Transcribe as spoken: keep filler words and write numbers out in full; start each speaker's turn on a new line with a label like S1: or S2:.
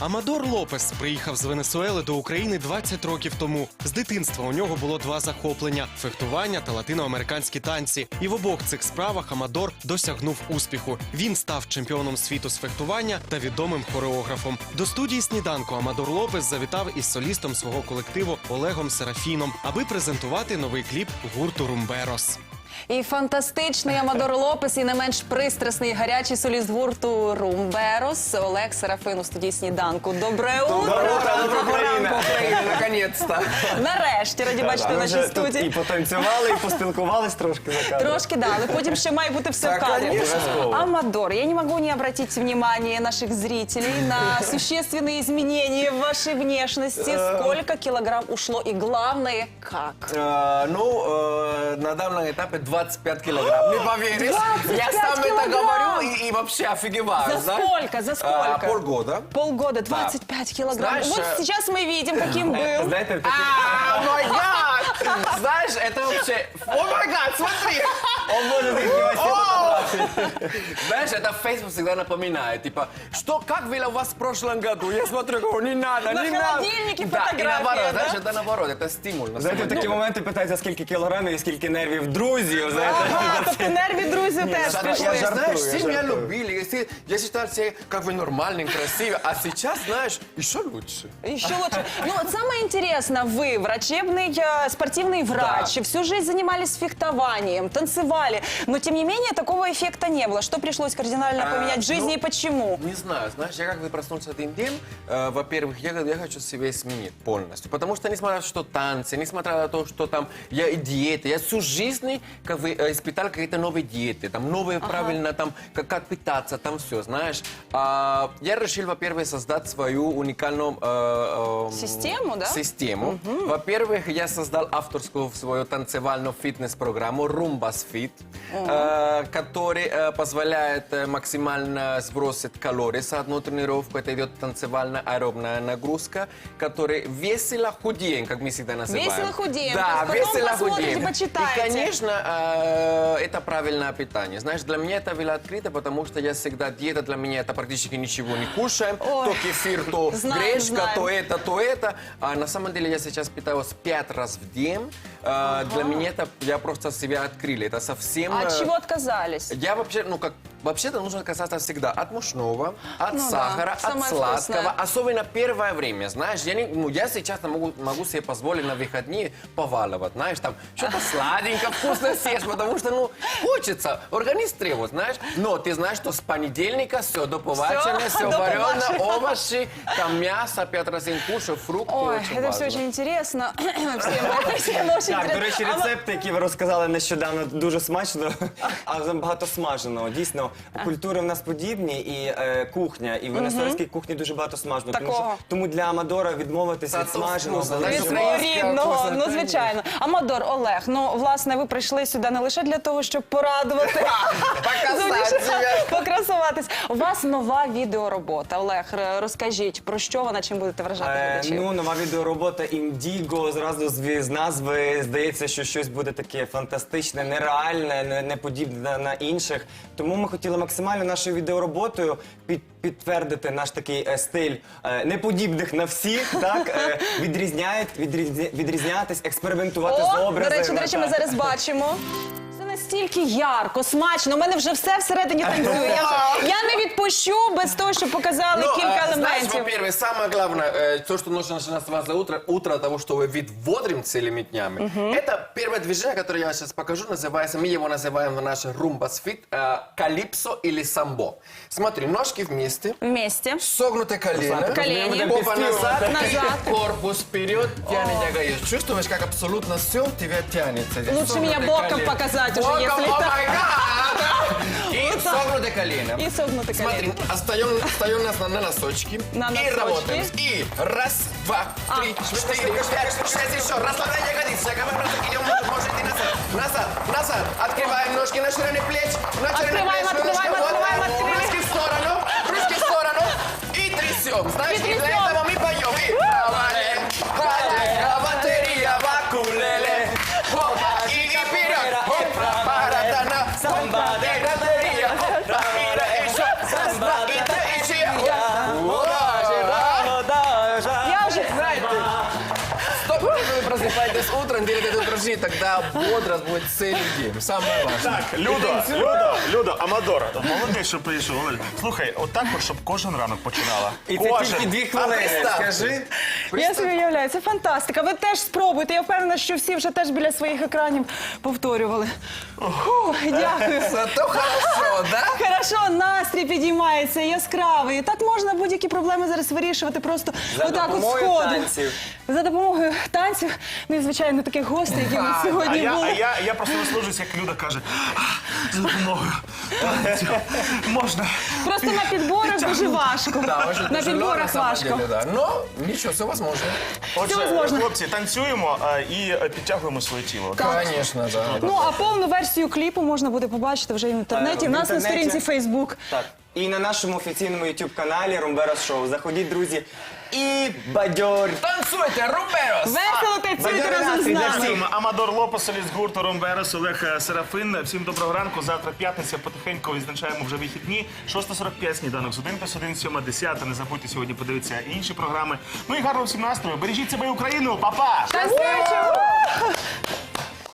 S1: Амадор Лопес приїхав з Венесуели до України двадцять років тому. З дитинства у нього було два захоплення – фехтування та латиноамериканські танці. І в обох цих справах Амадор досягнув успіху. Він став чемпіоном світу з фехтування та відомим хореографом. До студії «Сніданку» Амадор Лопес завітав із солістом свого колективу Олегом Серафіном, аби презентувати новий кліп гурту «Румберос».
S2: І фантастичний Амадор Лопес, і не менш пристрасний і гарячий соліст гурту «Румберос» Олег Серафин у студії «Сніданку». Добре утро!
S3: Доброе утро,
S2: Доброго ранку, Україна!
S3: Наконец-то!
S2: Нарешті, раді бачити в нашій студії.
S3: І потанцювали, і поспілкувались трошки за кадром.
S2: Трошки, да, але потім ще має бути все в
S3: Так,
S2: кадрі.
S3: конечно.
S2: Амадор, я не могу не обратить внимание наших зрителей на существенные изменения в вашей внешности. Сколько килограмм ушло и, главное, как?
S3: Э, Ну, э, на данном этапе двадцать пять килограмм. Не поверишь? Я сам это
S2: килограмм!
S3: говорю и, и вообще офигеваю.
S2: За
S3: знаешь?
S2: сколько? За сколько?
S3: А, полгода.
S2: Полгода, двадцать пять килограмм.
S3: Знаешь,
S2: Вот
S3: э,
S2: сейчас мы видим, каким был.
S3: Знаете, а, мой гад! Знаешь, это вообще... О май гад, смотри! Он может их Знаешь, это Facebook всегда напоминает, типа, что, как было у вас в прошлом году? Я смотрю, говорю, не надо,
S2: На
S3: не надо.
S2: холодильнике
S3: Да, и
S2: фотография,
S3: наоборот,
S2: да?
S3: знаешь, это наоборот, это стимул. на
S4: Знаєте, в
S3: самом
S4: такі
S3: деле.
S4: моменти питаються, скільки кілограмів і скільки нервів друзів. Знаєте,
S2: Ага, тобто нерві друзі теж
S3: Да,
S2: прийшли.
S3: я,
S4: жартую,
S3: знаешь,
S4: я
S3: все меня
S4: жартую.
S3: любили, если- я считал себя как бы нормальным, красивым, а сейчас, знаешь, еще лучше.
S2: Еще лучше. Ну, вот самое интересное, вы врачебный, э, спортивный врач, всю жизнь занимались фехтованием, танцевали, но тем не менее такого эффекта не было. Что пришлось кардинально
S3: А,
S2: поменять в жизни
S3: ну,
S2: и почему?
S3: Не знаю, знаешь, я как бы проснулся один день, э, во-первых, я, говорю, я хочу себя сменить полностью, потому что несмотря на что танцы, несмотря на то, что там я и диеты, я всю жизнь как бы э, испытал какие-то новые диеты, там новые правильно там как, как питаться, там все, знаешь. А, я решил, во-первых, создать свою уникальную э, э,
S2: Систему, да?
S3: Систему. Во-первых, я создал авторскую свою танцевальную фитнес-программу Rumbas Fit, э, который э, позволяет э, максимально сбросить калории за одну тренировку. Это идет танцевальная аэробная нагрузка, который весело худеем, как мы всегда называем.
S2: Весело худеем.
S3: Да,
S2: То есть потом
S3: весело
S2: посмотрите,
S3: худеем.
S2: почитаете.
S3: И, конечно, э, это правильное питание. Знаешь, для меня это было открыто, потому что я всегда, диета для меня это практически ничего не кушаем.
S2: Ой.
S3: То кефир, то
S2: Знаем,
S3: гречка,
S2: знаем.
S3: то это, то это. А на самом деле я сейчас питаюсь пять раз в день. А, Для меня это, я просто себя открыли. Это совсем...
S2: А от
S3: э,
S2: чего отказались?
S3: Я вообще, ну как, вообще-то нужно отказаться всегда от мучного, от
S2: Ну да,
S3: сахара, от
S2: самое
S3: сладкого.
S2: вкусное.
S3: Особенно первое время, знаешь, я, не, ну, я сейчас могу, могу себе позволить на выходные поваливать, знаешь, там что-то сладенькое, вкусно съешь, потому что, ну, хочется, организм требует, знаешь. Но ты знаешь, что с понедельника все до побачення, все
S2: до
S3: варено,
S2: побачення.
S3: овощи, там мясо, пять раз в день кушаю, фрукты,
S2: Ой,
S3: очень
S2: это все
S3: важно.
S2: очень интересно. Всем, всем очень
S4: Так, до
S2: интересно.
S4: речі,
S2: А
S4: рецепти, які ви розказали нещодавно, дуже смачно, а забагато смаженого. Дійсно, культури в нас подібні, і е, кухня, і в венесуельській кухні дуже багато смаженого. Тому,
S2: Такого.
S4: що, тому для Амадора відмовитися від
S3: Зато
S4: смаженого.
S3: вкусно,
S4: було
S3: знаєш,
S2: Від
S4: дуже
S2: свого
S3: українська
S2: рідного,
S3: вкусна,
S2: ну
S3: конечно.
S2: звичайно. Амадор, Олег, ну власне ви прийшли сюди не лише для того, щоб порадувати,
S3: Показать себе.
S2: покрасуватись. У вас нова відеоробота. Олег, р- розкажіть, про що вона, чим будете вражати
S4: Е,
S2: глядачів?
S4: ну, нова відеоробота «Індіго», зразу з, з назви здається, що щось буде таке фантастичне, нереальне, не, не подібне на, на інших. Тому ми хотіли максимально нашою відеороботою під, підтвердити наш такий е, стиль е, неподібних на всіх, так, е, відрізняють, відрізня, відрізнятись, експериментувати з
S2: О,
S4: образами.
S2: до речі, до речі, ми
S4: так.
S2: зараз бачимо. Це настільки ярко, смачно. У мене вже все всередині танцює. Я, я не відпущу без того, щоб показали
S3: Ну,
S2: кілька
S3: а, знаешь,
S2: елементів.
S3: во-первых, самое главное, э, то, что нужно начинать с вас за утро, утро того, что вы вид бодрым целыми днями, это первое движение, которое я сейчас покажу, называется, мы его называем в нашей Rumbas Fit, э, калипсо или самбо. Смотри, ножки вместе,
S2: Вместе.
S3: согнутые колено,
S2: Колени.
S3: попа назад,
S2: Назад.
S3: корпус вперед, тянет ягодицы. Чувствуешь, как абсолютно все у тебя тянется. Здесь
S2: Лучше меня
S3: согнутые
S2: боком
S3: колени.
S2: показать уже,
S3: Боком,
S2: если
S3: о
S2: так.
S3: май гад! И согнутые колено.
S2: И согнутые
S3: Смотри,
S2: колени.
S3: остаем, остаем нас на, на носочки.
S2: На
S3: И
S2: носочки.
S3: работаем. И раз, два, три, четыре, пять, шесть, еще. Расслабляй ягодицы. Идем, может, и назад. Назад, назад. Открываем ножки на ширине плеч. На ширине
S2: Открываем,
S3: плеч.
S2: открываем,
S3: Немножко. Вот.
S2: открываем, открываем.
S3: Ручки в сторону. Ручки в сторону. И трясем. Знаешь,
S2: И
S3: и для
S2: трясем.
S3: этого мы поем. И валем, валем, батарея, вакулеле. И и вперед. Опа, паратана. Самба, батарея. Опа, и еще. И три, и четыре. Ура, нужно делать это упражнение, тогда бодрость будет целый день. Самое важное.
S5: Так, Людо, Людо, Людо, Амадор, молодець, що прийшов. Олег. Слухай, отак от, щоб кожен ранок починала.
S4: І це
S5: Кожен.
S4: тільки дві хвилини.
S3: представ.
S4: Скажи.
S2: Я собі уявляю, це фантастика. Ви теж спробуйте. Я впевнена, що всі вже теж біля своїх екранів повторювали. Фу, дякую.
S3: Зато хорошо, да?
S2: Хорошо, настрій підіймається, яскравий. І так можна будь-які проблеми зараз вирішувати просто
S4: За
S2: отак от
S4: допомогою
S2: сходу.
S4: танців.
S2: За допомогою танців. Ну і, звичайно, таких гостей, які у нас
S5: А
S2: сьогодні
S5: я,
S2: були.
S5: а я, я просто наслужусь, як Люда каже, «А, за допомогою танців можна.
S2: Просто на підборах дуже важко.
S3: Да, очень
S2: На
S3: тяжело, на
S2: підборах
S3: самом
S2: важко.
S3: деле, да. Но ничего, все возможно.
S5: Отже,
S2: возможно.
S5: хлопці, танцюємо а, і е, підтягуємо своє тіло.
S3: Конечно, да.
S2: Ну, а повну версію кліпу можна буде побачити вже і в інтернеті.
S4: Е,
S2: У
S4: в
S2: нас на
S4: інтернеті.
S2: сторінці Facebook.
S4: Так. І на нашому офіційному ютуб-каналі Румберос Шоу. Заходіть, друзі, і бадьорь.
S3: Танцуйте, Румберос!
S2: Весело танцюйте
S4: Бадьорий
S2: разом з
S4: настрій для
S2: нами.
S4: всіх.
S5: Дякуємо. Амадор Лопес, соліст гурту Ромберес, Олег е, Серафин. Всім доброго ранку. Завтра п'ятниця, потихеньку відзначаємо вже вихідні. шоста сорок п'ять, сніданок з один плюс один, сьома десята. Не забудьте сьогодні подивитися інші програми. Ну і гарного всім настрою. Бережіть себе і Україну. Па-па!
S2: Танцюємо!